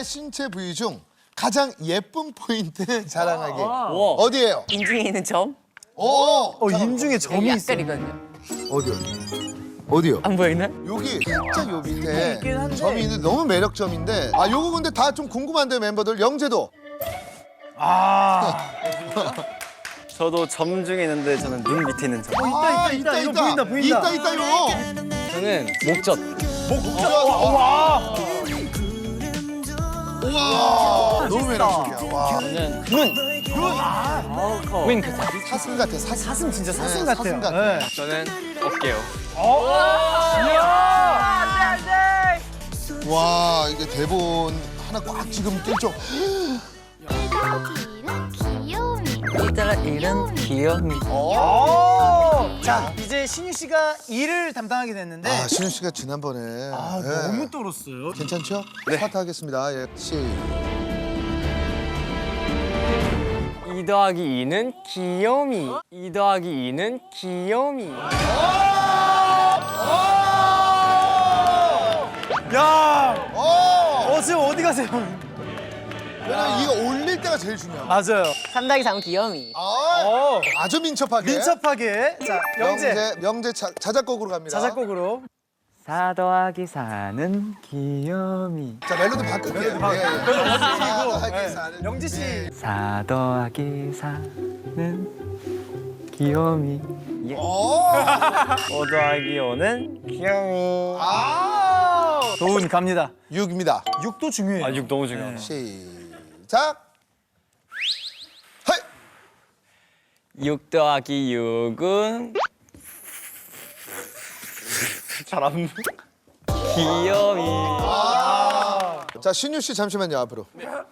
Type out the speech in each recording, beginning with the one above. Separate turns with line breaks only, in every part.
나의 신체 부위 중 가장 예쁜 포인트 자랑하기. 어디예요?
인중에 있는 점?
인중에 점이
여기
있어.
약간이거든요.
어디요?
안 보이나?
여기 살짝 요 밑에
있긴 한데.
점이 있는데 너무 매력점인데 요거 근데 다 좀 궁금한데 멤버들 영재도
저도 점 중에 있는데 저는 눈 밑에 있는 점.
있다. 이거 보인다.
있다 이거
저는 목젖.
우와 너무 매력적이야 와
저는
윙크.
사슴 같아 사슴
진짜 사슴
네,
같아요.
사슴 같아.
네.
저는 어깨요.
와 이게 대본 하나 꽉 지금 낄정
이따가 이런 귀요미.
자, 이제 신유 씨가 일을 담당하게 됐는데
신우 씨가 지난번에 네.
너무 떨었어요.
괜찮죠? 네. 스타트 하겠습니다. 예.
2 더하기 2는 귀요미. 2 더하기 2는 귀요미.
야,
오!
지금 어디 가세요?
왜냐면 이거 올릴 때가 제일 중요해.
맞아요.
3 더하기 3은 귀요미.
아주 민첩하게.
민첩하게. 자, 영재
명재 자작곡으로 갑니다.
자작곡으로.
4 더하기 4는 귀요미.
자 멜로디 바꿀게요.
영재 씨.
4 더하기 4는 귀요미. 예. 5 더하기 5는 귀요미.
도훈 갑니다.
6입니다.
6도 중요해요.
6 너무 중요하다.
시작. 헤이.
6 더하기 6은 잘 안 귀요미.
자 신유 씨 잠시만요 앞으로.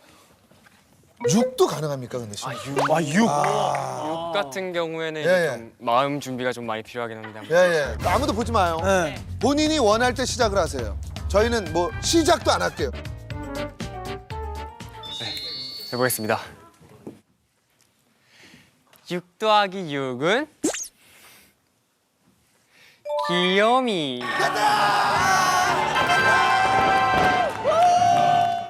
6도 가능합니까 근데 신유 씨?
6.
6 같은 경우에는
예,
이제
예.
좀 마음 준비가 좀 많이 필요하긴 합니다.
예. 아무도 보지 마요.
네.
본인이 원할 때 시작을 하세요. 저희는 뭐 시작도 안 할게요.
해보겠습니다. 6 더하기 6은 귀요미.
가자!